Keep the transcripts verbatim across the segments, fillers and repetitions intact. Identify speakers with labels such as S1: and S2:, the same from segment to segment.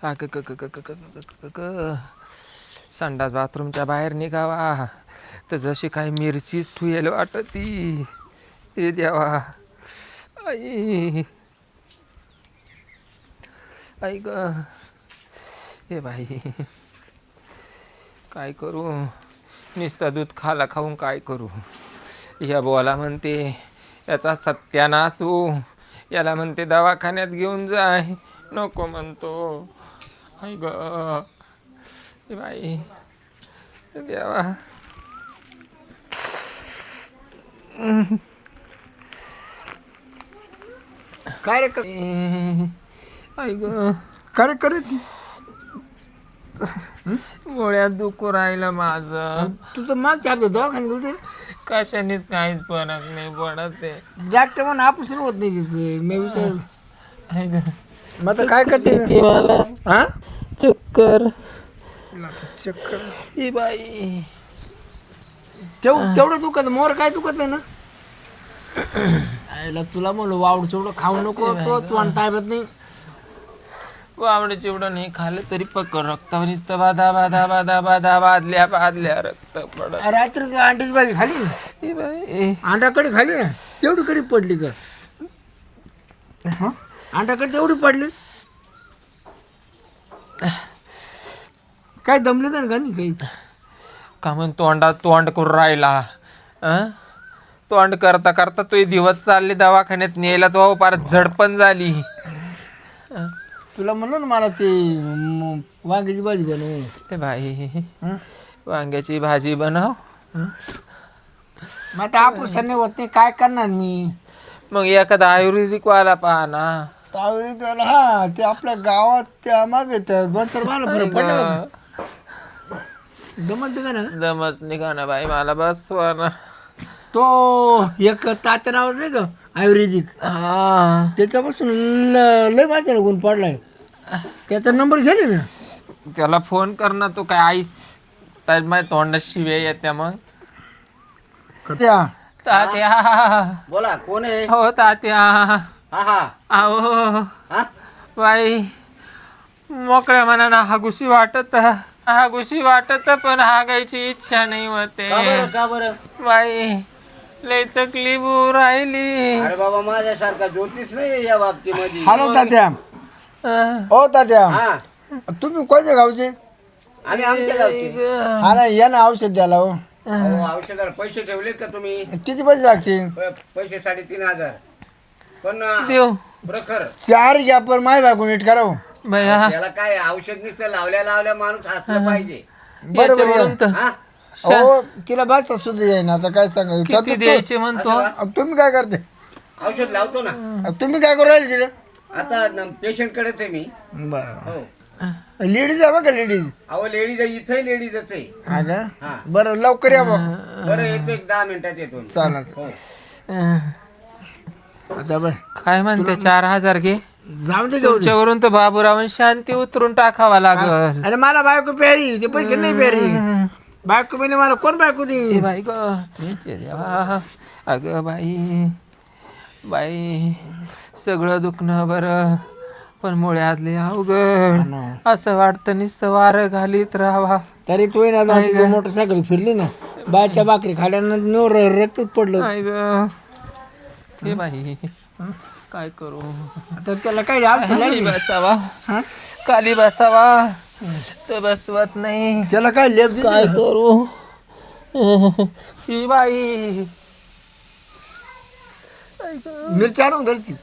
S1: क क क क क क क क संडास बाथरूमच्या बाहेर निघावा तर जशी काही मिरचीच ठुयेल वाटती. हे देवा, आई आई ग, हे बाई काय करू, नुसतं दूध खाला खाऊन काय करू. या बोला म्हणते याचा सत्यानाश हो, याला म्हणते दवाखान्यात घेऊन जाय, नको म्हणतो. आई ग, हे बाई देवा.
S2: काय रे
S1: आई ग,
S2: काय करत
S1: गोळ्यात दुखू राहिलं माझं.
S2: तू तर माग चालतो दवाखान्यात गेलते.
S1: कशानेच काहीच फरक नाही पडत आहे.
S2: डॉक्टर म्हणून ऑपरेशन होत नाही तिथे. मी विचारलं
S1: आई ग,
S2: मग आता काय करते
S1: मला
S2: हा
S1: चक्कर.
S2: चक्कर
S1: ही बाई
S2: तेव तेवढं दुखत मोर काय दुखत नाही ना. आईला तुला म्हणलं वावड चेवढं खाऊ नको तो तू आणि ताब्यात नाही.
S1: वावडे चिवडं नाही खाल्लं तरी पक्क रक्तावर नुसतं बाधा बाधा बाधा बाधा बादल्या बादल्या रक्त पडत.
S2: रात्री तू अंड्याची भाजी खाली ना.
S1: ही बाई
S2: अंडाकडे खाली ना, तेवढी कडी पडली का. अंडाकडे तेवढी पडली काय दमली का नाही काही.
S1: का म्हण तोंडात तोंड करून राहिला. अं तोंड करता करता तो दिवस चालले दवाखान्यात न्यायला तो फार झडपण झाली.
S2: तुला म्हणलो ना मला ते म, वांग्याची भाजी बनव.
S1: ए बाई
S2: हं?
S1: वांग्याची भाजी बनव.
S2: मग आता ऑपरेशन नाही होत नाही काय करणार मी.
S1: मग एखादा आयुर्वेदिक वाला पहा ना.
S2: त्यावेळी त्याला हा ते आपल्या गावात त्या मागे त्या दोन चार मला फरक पडला. जमत का ना
S1: दमच निघा ना बाई मला बसवा ना.
S2: तो एक तात्या नाव नाही का आयुर्वेदिक,
S1: हा
S2: त्याच्यापासून ल- लय वाचायला गुण पडलाय. त्याचा नंबर झाले ना.
S1: त्याला फोन कर ना. तू काय आई तर माझ्या तोंडात शिव्या येत्या मग.
S2: त्या
S1: तात्या
S3: बोला कोण आहे.
S1: हो तात्या
S3: हा हा
S1: अहो
S3: हा
S1: बाई मोकळ्या मनानं हागुशी वाटत हागुशी वाटत पण हागायची इच्छा नाही होते.
S3: का बरं का बरं.
S1: बाई लय तकलीफ होऊ राहिली.
S3: अरे बाबा माझ्यासारखा ज्योतिष नाही या बाबतीमध्ये.
S2: हॅलो तात्या.
S1: अं,
S2: हो तात्या,
S3: हा
S2: तुम्ही कोणत्या गावचे.
S3: आणि आमच्या गावची.
S2: हा ना या ना औषध द्यायला. हो
S3: अहो, औषधाला पैसे ठेवलेत का तुम्ही.
S2: किती पैसे लागतील.
S3: प- पैसे साडेतीन हजार पण अं,
S1: देव
S3: प्रखर
S2: चार घ्या पण माय बायको नीट करावं.
S1: बया
S3: त्याला काय औषध नुसतं लावल्या लावल्या माणूस हसलं पाहिजे.
S2: बरोबर
S1: याच्यावरून तर
S3: हा
S2: हो तिला बस सुद्धा येईन आता काय सांगा.
S1: किती द्यायचे म्हणतो.
S2: तुम्ही काय करते.
S3: औषध लावतो ना.
S2: तुम्ही काय करू राहिले तिकडे.
S3: आता पेशंट कडेच आहे मी.
S2: बरं
S3: हो
S2: लेडीज आहे बघा लेडीज.
S3: अहो लेडीज इथंही लेडीजच आहे.
S2: हा का
S3: हा
S2: बरं लवकर या बघ.
S3: बरं येतो एक दहा मिनिटात येतो.
S2: चालेल.
S3: हो
S1: अं,
S2: आता बरं
S1: काय म्हणते चार हजार घे.
S2: जाऊ दे घेऊ दे.
S1: तुमच्यावरून तर बाबूरावून शांती उतरून टाकावा लागल.
S2: अरे मला बायको प्यारी ते पैसे नाही प्यारी. बायको म्हणजे मला कोण बायको
S1: ए
S2: दे.
S1: बाई ग ए देवा. अगं बाई बाई सगळं दुखणं बरं पण मुळ्यातले अवघड. असं वाटतं नुसतं वारं घालीत राहावा.
S2: तरी तू ना दादा मोटरसायकल फिरली ना बायच्या भाकरी खाल्यानंतर नोर रक्तच पडलं.
S1: नाही ग हे बाई काय करू.
S2: आता त्याला काय औषध
S1: खाली
S2: लागली.
S1: बसावा खाली बसावा तर बसवत नाही.
S2: त्याला काय लेप दिली
S1: काय
S2: का?
S1: करू. ही बाई
S2: मिरची आणून घरची.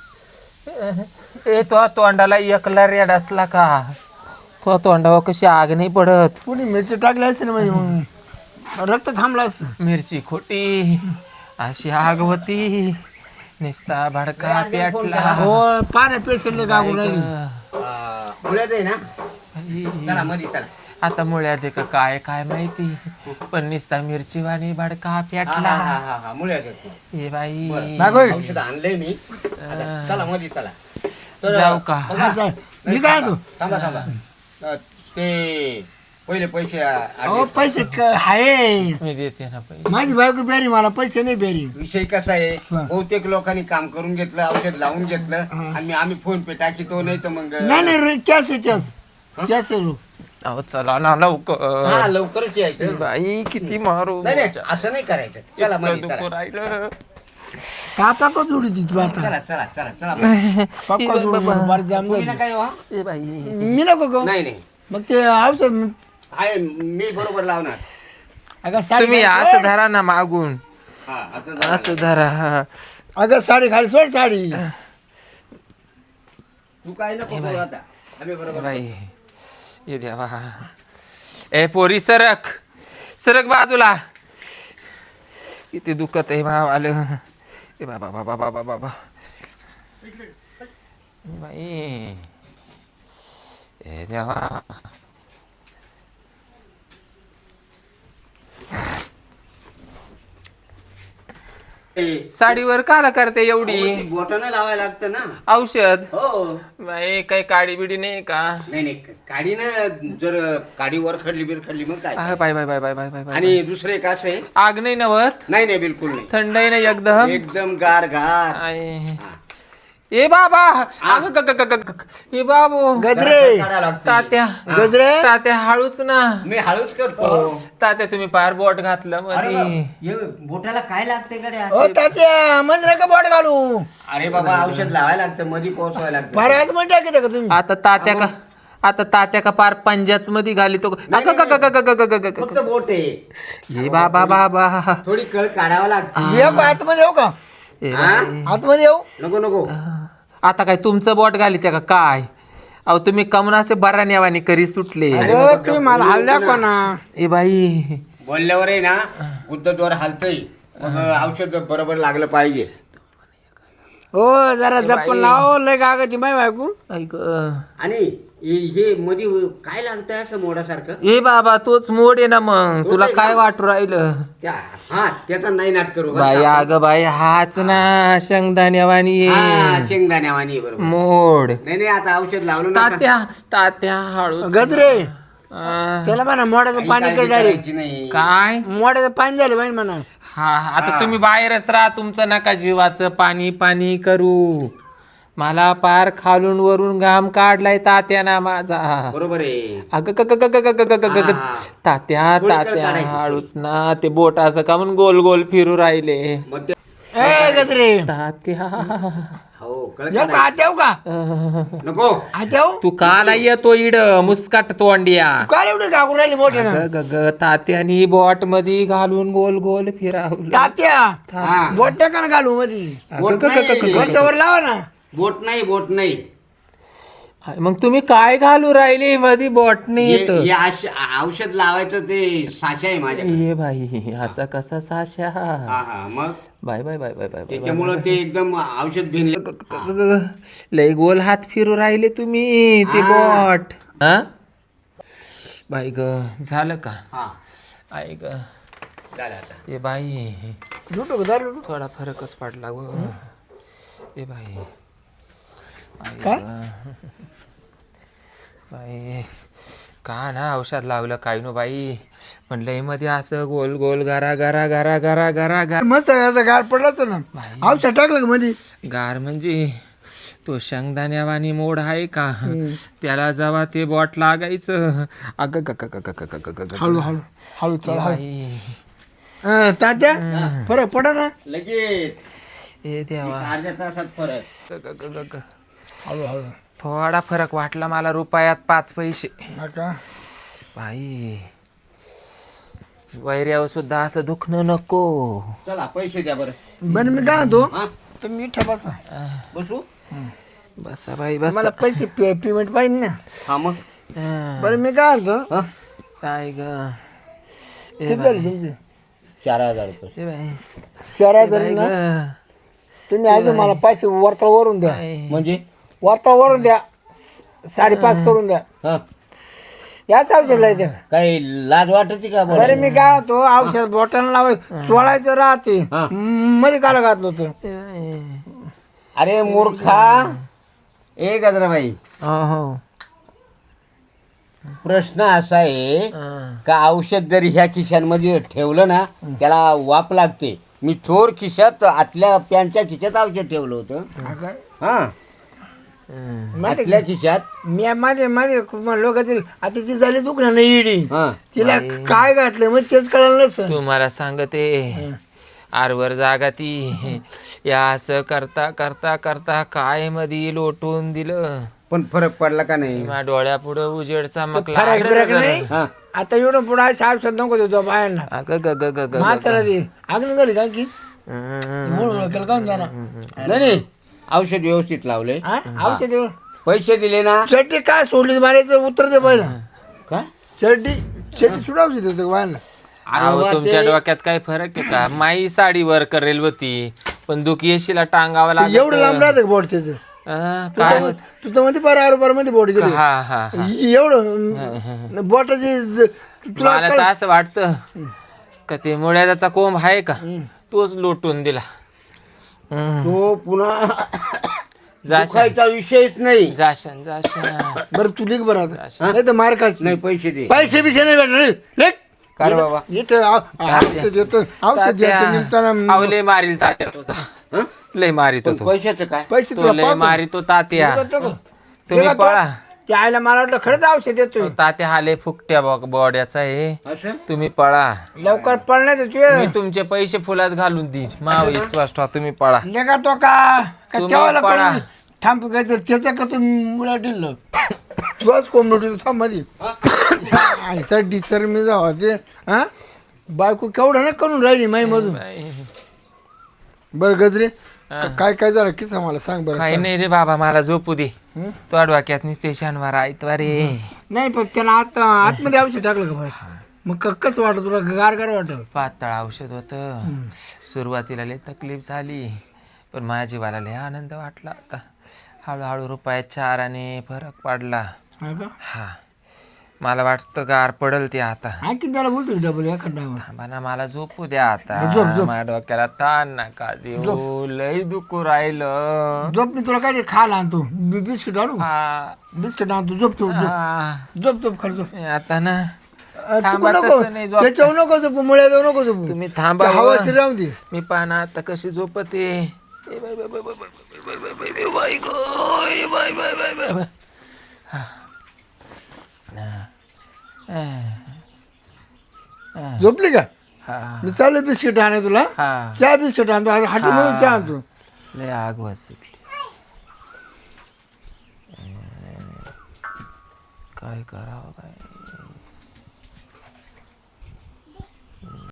S1: ए तो तोंडाला एकला रेड असला का तो तोंडावर कशी आग नाही पडत.
S2: कुणी मिरची टाकली असते ना म्हणजे मग रक्त थांबलं असतं.
S1: मिरची खोटी अशी आग होती निस्ता भडका पेटला.
S2: हो पाण्या पेशंटले गागून राहिली.
S3: अं, मुळ्यात आहे ना. चला मध्ये चला.
S1: आता मुळ्यात आहे का काय काय माहिती पण निस्ता मिरची वाणी भडका
S3: हा
S1: पेटला.
S3: हा हा हा मुळ्यात येतो.
S1: हे बाई
S2: बागोय.
S3: औषध आणलंय मी. आता चला मध्ये चला. तर
S1: जाऊ का.
S2: हा, चाल. मी काय तू
S3: थांबा थांबा अं, ते पहिले पैसे
S2: अहो पैसे क- आहे
S1: मी देते ना पैसे.
S2: माझी बायको बेरी मला पैसे नाही बेरी
S3: विषय कसा आहे
S2: हा.
S3: बहुतेक लोकांनी काम करून घेतलं औषध लावून घेतलं आणि आम्ही फोन पे टाकीतो नाही तर मग
S2: नाही नाही कॅश आहे कॅश कॅश आहे रो.
S1: अहो चला ना लवकर.
S3: हा लवकरच यायचं
S1: बाई किती मारू.
S3: नाही नाही असं नाही करायचं चला मध्ये
S1: दुखू
S3: चला
S1: राहिलं.
S2: कापा का जोडी ती तू आता
S3: चला चला चला चला
S2: पक्का जोडी बरं जाम
S3: तुम्ही ना
S2: झाली.
S3: काय हो?
S1: ए बाई
S2: मी नको गं.
S3: नाही नाही
S2: मग ते औषध मी-
S3: आहे मी बरोबर लावणार
S2: अगं साडी
S1: तुम्ही
S2: खाली
S1: असं
S2: सोड.
S1: धरा ना मागून.
S3: हा आता जा.
S1: असं धरा. हा.
S2: अगं साडी खाली सोड साडी
S3: तू काय नको करू आता आम्ही
S1: ए
S3: बरोबर
S1: बाई ये देवा. ए पोरी सरक सरक बाजूला. किती दुखत आहे भाव आलं. ए बाबा बाबा बाबा बाबा बाई ए देवा. साडीवर काला करते एवढी
S3: बोटानं लावायला लागतं ना
S1: औषध.
S3: हो
S1: बाई काही काडी बिडी नाही का.
S3: नाही नाही काडीनं जर काडी वर खडली बिर खडली मग काय
S1: आहे bye bye bye bye bye bye bye.
S3: आणि दुसरं एक असं आहे
S1: आग नाही नवत.
S3: नाही नाही बिलकुल नाही
S1: थंड आहे ना एकदम.
S3: एकदम गार गार
S1: आहे.
S3: हा.
S1: ए बाबा अगं ग- ग- ग- ग- ग- ए बाबू
S2: गजरे
S3: काढायला लागतं.
S1: तात्या
S2: गजरे
S1: तात्या हळूच ना.
S3: मी हळूच करतो
S1: तात्या तुम्ही पार बोट घातलं
S3: अरे
S1: मध्ये.
S3: बाप, हे बोटाला काय लागते गड्या
S2: ओ तात्या मंदिरा का बोट घालू
S3: अरे बाबा औषध लावायला लागतं मध्ये पोहोचवायला लागतं
S2: फार आत मध्ये टाकी का तुम्ही
S1: आता तात्या का आता तात्या का पार पंजाच मध्ये घाली तो.
S3: नाही,
S1: अगं ग- ग- ग- ग- ग- ग- ग- ग-
S3: फक्त बोट आहे
S1: ए बाबा बाबा
S3: थोडी कळ काढावं लागते
S2: येऊ का आतमध्ये येऊ का
S1: ए
S3: हा?
S2: आतमध्ये येऊ
S3: नको नको
S1: आता काय तुमचं बोट घाली त्या का काय. अहो तुम्ही कमनाचे बरा नेवानी करी सुटले.
S2: अगं तुम्ही मला हाल दाखवा ना
S1: ए बाई
S3: बोलल्यावर आहे ना उद्धद्वार हालतय मग औषध बरोबर लागलं पाहिजे
S2: हो जरा जपून लाव लय कागद माय बायको
S1: ऐक
S3: आणि हे- हे मध्ये काय लागतंय असं मोडासारखं
S1: ए बाबा तोच मोड आहे ना मग तुला काय वाटू राहिलं.
S3: त्या हा त्याचा नाही नाट करू बरं
S1: बाई
S3: का?
S1: अगं बाई हाच ना शेंगदाण्यावानी
S3: हा,
S1: आहे.
S3: शेंगदाण्यावानी आहे बरोबर
S1: मोड.
S3: नाही नाही आता औषध लावलं ना
S1: तात्या तात्या हळू
S2: गजरे
S1: अं,
S2: त्याला म्हणा मोड्याचं पाणी कर डायरेक्ट
S3: नाही
S1: काय
S2: मोड्याचं पाणी झालं पाहिजे म्हणा
S1: हा आता तुम्ही बाहेरच राहा तुमचं नका जीवाचं पाणी पाणी करू. मला पार खालून वरून घाम काढलाय तात्या ना माझा.
S3: बरोबर आहे
S1: अगं ग- ग- ग- ग- ग- ग- ग- ग- ग-
S3: हा.
S1: तात्या
S3: थोडी कळ
S1: तात्या
S3: काढायची,
S1: हळूच ना ते बोट असं का म्हणून गोल गोल फिरू राहिले.
S3: मग ते
S2: ए गजरे
S1: तात्या
S3: हो कळ
S2: येऊ का आत येऊ का
S1: अं,
S3: नको
S2: आत येऊ
S1: तू काला येतो इड मुस्काट तोंडिया.
S2: काल एवढे गागून राहिली मोठे ना
S1: ग- ग- ग- तात्यानी बॉट मध्ये घालून गोल गोल फिरावलं.
S2: तात्या
S3: हा
S2: बोट टाका ना घालू मध्ये
S3: बोट
S1: ग- ग- ग- ग- ग-
S2: वरच्या वर लावा ना
S3: बोट नाही बोट नाही
S1: मग तुम्ही काय घालू राहिले मध्ये बॉटने
S3: हे-
S1: येत.
S3: हे आश- औषध लावायचं ते साचा आहे माझ्याकडे
S1: ये बाई असा कसा साशा.
S3: हा हा मग
S1: bye bye bye bye bye bye
S3: त्याच्यामुळं ते एकदम औषध भिनलं
S1: ग- ग- ग- ग- लय गोल हात फिरू राहिले तुम्ही ते
S3: हा.
S1: बॉट. हा बाई ग झालं का.
S3: हा
S1: आई ग
S3: झालं आता
S1: ए बाई
S2: लुटू का दारू लुटू
S1: थोडा फरकच पडला ग. ए बाई आई
S2: काय?
S1: ग. बाई का ना औषध लावलं काय नो बाई म्हणलं मध्ये असं गोल गोल गारा गारा गारा गारा गारा गार
S2: मस्त याचा गार पडलाच ना औषध टाकलं का मध्ये
S1: गार म्हणजे तो शेंगदाण्यावानी मोड आहे का त्याला जेव्हा ते बॉट लागायचं अगं ग- ग- ग- ग- ग- ग- ग- ग- ग-
S2: हळू हळू हळू चल हळू
S1: बाई.
S2: अं, तात्या फरक पडा ना
S3: लगेच
S1: ए देवा
S3: अर्ध्या तासात फरक
S1: ग- ग- ग- ग- ग.
S2: हळू हळू
S1: थोडा फरक वाटला मला रुपयात पाच पैसे.
S2: नका
S1: बाई वैऱ्यावर सुद्धा असं दुखणं नको.
S3: चला पैसे द्या बरं
S2: बरं मी काय म्हणतो
S3: हा
S2: तुम्ही इथे बसा
S3: बसू
S1: बसा बाई बस.
S2: मला पैसे पे- पेमेंट पाहिजे ना
S3: हा मग
S2: बरं मी काय म्हणतो
S3: हा
S1: काय ग ए
S2: किती झाले तुमचे
S3: चार हजार रुपये
S1: ए बाई
S2: चार हजार
S1: बाई
S2: ना
S1: ग.
S2: तुम्ही अजून मला पैसे वरता वरून द्या
S1: बाई.
S3: म्हणजे
S2: वरता वरून द्या स- साडेपाच करून द्या
S3: हा
S2: याच औषध द्या
S3: काही लाज वाटते का
S2: बरं मी काय होतो औषध बॉटल लावाय चोळायचं राहते
S3: हा.
S2: म- मध्ये काला घातलं होतं
S1: ए बाई.
S3: अरे मूर्खा ए गजराबाई
S1: हो हो
S3: प्रश्न असा आहे
S1: हं.
S3: का औषध जर ह्या खिशांमध्ये ठेवलं ना त्याला वाप लागते. मी चोर खिशात आतल्या पॅन्टच्या खिशात औषध ठेवलं होतं.
S2: हा काय?
S3: हा
S1: हं.
S2: माहिती
S3: आतल्या
S2: का?
S3: खिशात.
S2: मी माझे माझे लोक आता ती झाली दुखणं नाही इडी
S3: हा
S2: तिला काय घातलं मग तेच कळलं नसतं.
S1: तुम्हाला सांगते आरवर जागा ती या असं करता करता करता काय मध्ये लोटून दिलं.
S3: पण फरक पडला का नाही?
S1: माझ्या डोळ्यापुढं उजेड चमकला.
S2: फरक बिरक नाही
S3: हा
S2: आता एवढं पुढे आहे साहेब शब्द नको देतो बायांना
S1: अगं ग ग ग ग ग.
S2: माणसाला दे आग्न झाली का की
S1: हं.
S2: मूळ केलं काऊन जाणार
S3: नाही नाही औषध व्यवस्थित लावले.
S2: हा औषध देऊ.
S3: पैसे दिले ना.
S2: चड्डी काय सोडली मारायचं उत्तर दे पहिला
S3: का
S2: चड्डी चड्डी सुद्धा औषध देतो बायांना.
S1: अहो, तुमच्या डोक्यात काय फरक आहे का? माई साडी वर करेल होती पण दुख येशीला टांगावं लागत.
S2: एवढं लांब राहतं बोट त्याचं
S1: हं, काय
S2: तू तर मध्ये बारा बारा मध्ये बोट गेली
S1: हा हा हा.
S2: एवढं बोटाची ज- तुला
S1: मला तर असं वाटतं का ते मुळ्याचा कोंब आहे का तोच लोटून दिला. हं.
S3: तो पुन्हा
S1: जाशान
S3: दुखायचा विषयच नाही.
S1: जाशान जाशान.
S2: बरं तू लिख बरं आता. नाही तर मार खास
S3: नाही पैसे दे.
S2: पैसे बिसे नाही भेटणार लेख
S1: काय रे बाबा?
S2: इथं औ- औषध येतं औषध द्यायचं निमताना
S1: अहो, लय मारील तात्या तुझा.
S3: हं?
S1: लय मारित
S3: पण
S1: होतो
S3: पैशाचं काय?
S2: पैसे
S1: तो
S2: तुला
S1: लय
S2: पाहतो.
S1: मारितो तात्या.
S2: देतो का?
S1: तुम्ही
S2: देतो?
S1: पळा.
S2: ते आईला मला वाटलं खरंच औषध देतोय
S1: तात्या हा लय फुकट्या बॉड्याचा आहे.
S3: असं
S1: तुम्ही पळा.
S2: लवकर पळण्यात
S1: मी
S2: तू
S1: तुमचे पैसे फुलात घालून देईन. मा विश्वास ठेवा, तुम्ही पळा.
S2: लेखा तो का का
S1: तुम्ही
S2: तेव्हा
S1: पळा.
S2: करून थांब काय तर त्याचा का तू मुला दिलं तुझाच कोंबडी थांब मध्ये आयचा डिसर मी जावा ते हा बायको केवढं ना करून राहिली माई मधून बरं गजरे का- काय काय झालं किस्सा मला सांग बरं
S1: काही नाही रे बाबा, मला झोपू दे. तो डोक्यात निसते शनिवार ऐतवार रे.
S2: नाही पण त्याला आत आतमध्ये औषध टाकलं का बरं मग क- कसं वाटत तुला गार गार वाटत
S1: पातळ औषध होतं. सुरुवातीला लय तकलीफ झाली पण माझ्या जीवाला लय आनंद वाटला होता. हळूहळू रुपयात चाराने फरक पडला.
S2: हा का
S1: हा मला वाटतं गार पडल ते आता.
S2: आणखी त्याला बोलतो डबल एखादा
S1: थांबा ना, मला झोपू द्या आता.
S2: झोप, झोप.
S1: माझ्या डोक्याला ताण नका देऊ, लय दुखू राहिलं.
S2: झोप मी तुला काहीतरी खायला आणतो बि- बिस्किट आणू
S1: हा,
S2: बिस्किट आणतो झोप झोप झोप
S1: हा.
S2: झोप झोप खरं झोप
S1: आता ना
S2: अ,
S1: थांबा,
S2: तू नको
S1: तसं नाही झोप.
S2: त्याच्यावर नको झोपू मुळ्या जाऊ नको झोपू
S1: तुम्ही थांबा
S2: ते
S1: हो.
S2: हवाशी राहून दे
S1: मी पाहना आता कशी झोपते. ए bye bye bye bye bye bye bye bye bye go, ए bye bye bye bye bye.
S2: झोपली का
S1: हा
S2: मी चालू बिस्किट आणे तुला
S1: हा
S2: चहा बिस्किट आणतो आज हाटी म्हणून चहा आणतो
S1: लय आग सुटली. काय करावं काय